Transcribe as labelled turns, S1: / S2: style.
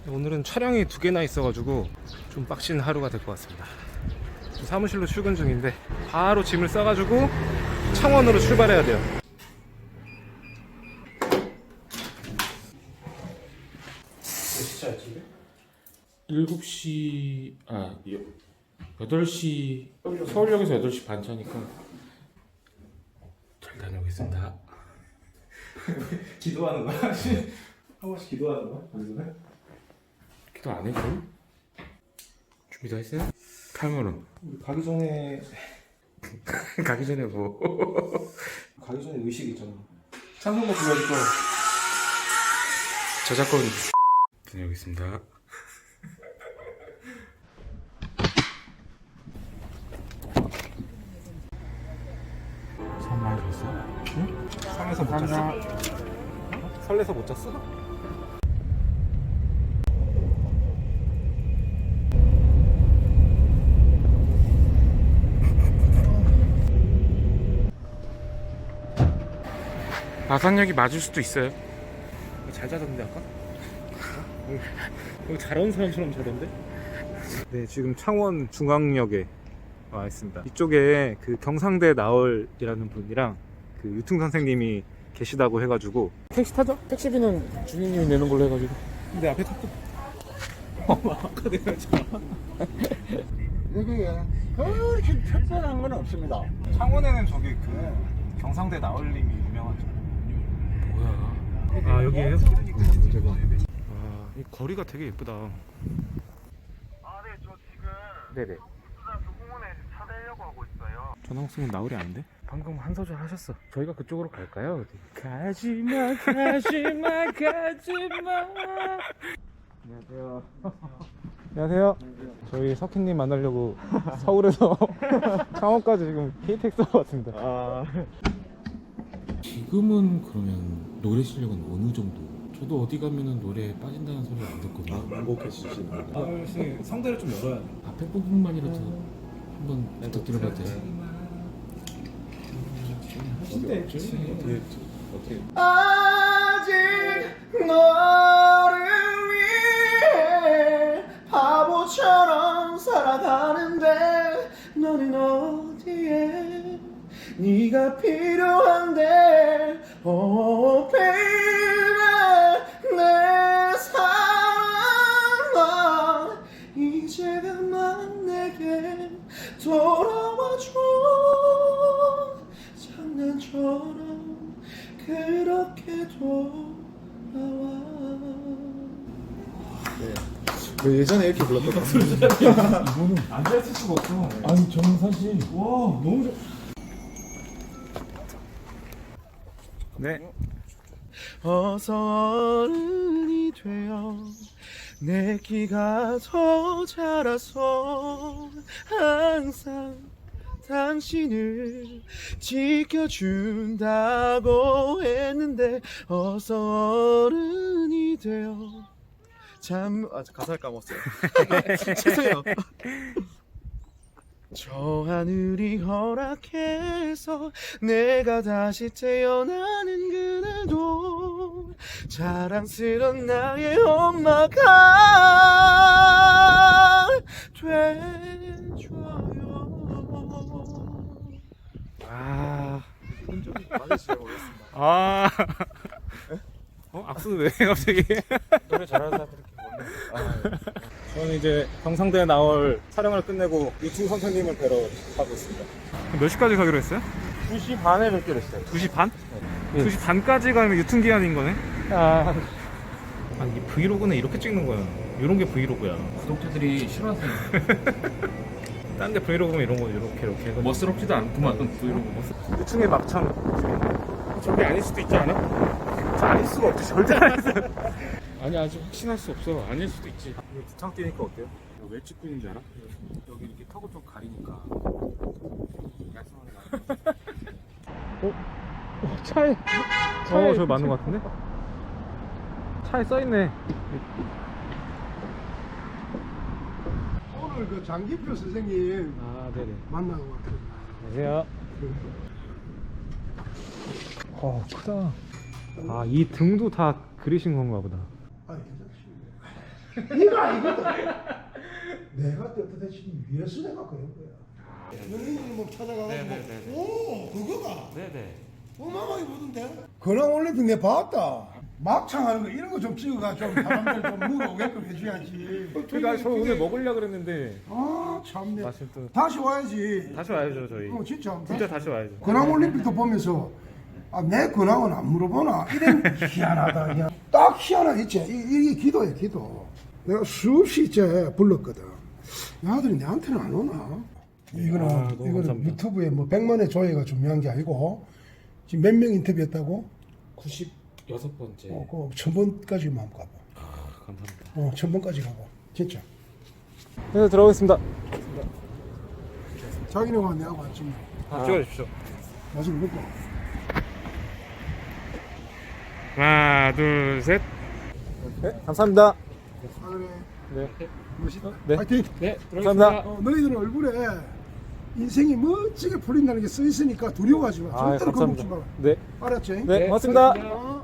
S1: 오늘은 촬영이 2개나 있어가지고 좀 빡신 하루가 될 것 같습니다. 사무실로 출근 중인데 바로 짐을 싸가지고 창원으로 출발해야 돼요. 몇 시차야 지금?
S2: 7시 8시 서울역에서 8시 반 차니까 잘 다녀오겠습니다.
S1: 기도하는 거야? 한 번씩 기도하는 거야? 거기서는?
S2: 기도 안 해줘? 준비 다 했어요? 카메론
S1: 우리 가기 전에
S2: 가기 전에 뭐
S1: 가기 전에 의식 있잖아. 찬송가 불러줄 거.
S2: 저작권 다녀오겠습니다. 잠 많이 잤어? 응?
S1: 상에서 못 잤어? 설레서 못 잤어?
S2: 마산역이 맞을 수도 있어요.
S1: 잘 자던데 아까? 여기 잘 온 사람처럼 자던데? 네, 지금 창원 중앙역에 와 있습니다. 이쪽에 그 경상대 나얼이라는 분이랑 그 유퉁 선생님이 계시다고 해가지고.
S2: 택시 타죠? 택시비는 주인님이 내는 걸로 해가지고.
S1: 근데 앞에 탔고. 아까 내가 했잖아.
S3: 여기에 그렇게 특별한 건 없습니다.
S1: 창원에는 저기 그 경상대 나얼님이 유명하죠.
S2: 뭐야?
S1: 아, 여기에요? 아, 이 거리가 되게 예쁘다.
S4: 아, 네, 저 지금
S1: 네네.
S4: 국수장교 공원에 차 대려고 하고 있어요.
S1: 전화홍수는 나얼이 아닌데?
S2: 방금 한 소절 하셨어. 저희가 그쪽으로 갈까요? 가지마, 가지마, 가지마.
S1: 안녕하세요. 안녕하세요. 저희 석희님 만나려고 서울에서 창원까지 지금 KTX로 왔습니다.
S2: 지금은 그러면 노래 실력은 어느 정도? 저도 어디 가면은 노래 빠진다는 소리 안 듣거든요.
S3: 행복해지시는 분.
S1: 혹시 성대를 좀 열어야 돼.
S2: 앞에 부분만이라도 한번 부탁드려봐도 돼요?
S3: 어떻게?
S5: 아직 너를 위해 바보처럼 살아가는데 너는 어디에 네가 필요한데 Oh baby 내 사랑아 이제 그만 내게 돌아와줘 장난처럼 그렇게 돌아와.
S3: 왜 예전에 이렇게 불렀던
S1: 앉아있을 수가 없어.
S2: 아니 저는 사실
S1: 와, 너무 좋. 네.
S5: 어서 어른이 되어 내 키가 더 자라서 항상 당신을 지켜준다고 했는데 어서 어른이 되어 가사를 까먹었어요. 죄송해요. 저 하늘이 허락해서 내가 다시 태어나는 그날도 자랑스런 나의 엄마가 돼줘요.
S1: 악수는 왜 갑자기?
S2: 노래 잘하는 사람들이
S1: 저는 이제 경상대 나얼 촬영을 끝내고 유퉁 선생님을 뵈러 가고 있습니다. 몇 시까지 가기로 했어요?
S2: 2시 반에 뵙기로 했어요.
S1: 2시 반?
S2: 네.
S1: 2시 반까지 가면 유통기한인 거네?
S2: 아,
S1: 아니, 이 브이로그는 이렇게 찍는 거야. 이런 게 브이로그야.
S2: 구독자들이 싫어하세요.
S1: 딴 데 브이로그면 이런 거 이렇게 해가지고.
S2: 멋스럽지도 않구만 브이로그.
S1: 유충의 막창.
S2: 저게 아닐 수도 있지 않아?
S1: 아닐 수가 없지. 절대 아니지.
S2: 아니 아직 확신할 수 없어. 아닐 수도 있지.
S1: 두창 뛰니까 어때요?
S2: 왜 찍고 있는 줄 알아?
S1: 여기 이렇게 턱을 좀 가리니까.
S2: 차에
S1: 저기 맞는 것 같은데? 차에 써있네.
S3: 오늘 그 장기표 선생님
S1: 아, 네네.
S3: 만나고 왔거든요.
S1: 안녕하세요. 크다. 아, 이 등도 다 그리신 건가 보다.
S3: 아, 괜찮습니다. 이거 아니거든. 내가 떳떳해지기 위해서 내가 그런 거야. 연예인이 뭐 찾아가가지고
S2: 네네네네.
S3: 오 그거가
S2: 네네.
S3: 어마어마하게 보던데. 근황 올림픽 내 봤다. 막창 하는 거 이런 거 좀 찍어가 좀 사람들 좀 물어오게끔 해줘야지.
S1: 그러니까 저 오늘 먹으려 그랬는데
S3: 아 참네.
S1: 마침 또
S3: 다시 와야지.
S1: 다시 와야죠 저희.
S3: 진짜.
S1: 진짜 다시 와야죠.
S3: 근황 올림픽도 보면서 아, 내 근황은 안 물어보나 이런 희한하다 그냥 딱 희한하겠지. 이게 기도야 기도. 내가 수없이 이제 불렀거든. 아들이 내한테는 안 오나? 이거는
S1: 너무
S3: 이거는
S1: 감사합니다.
S3: 유튜브에 뭐 100만의 조회가 중요한 게 아니고 지금 몇 명 인터뷰했다고?
S2: 96번째.
S3: 그 1000번까지만 한번 가봐.
S2: 감사합니다.
S3: 1000번까지 가봐. 진짜.
S1: 네 들어가겠습니다.
S3: 자기네가 내하고 왔지.
S1: 찍어주십시오.
S3: 나중에 먹고.
S1: 하나 둘 셋. 네 감사합니다.
S3: 아 그래.
S1: 네.
S3: 멋있다.
S1: 네.
S3: 파이팅.
S2: 네,
S1: 감사합니다.
S3: 너희들 얼굴에 인생이 멋지게 풀린다는 게 써 있으니까 두려워하지 마.
S1: 아
S3: 절대로 겁먹지
S1: 감사합니다.
S3: 마라.
S1: 네.
S3: 알았지?
S1: 네 고맙습니다.
S3: 어.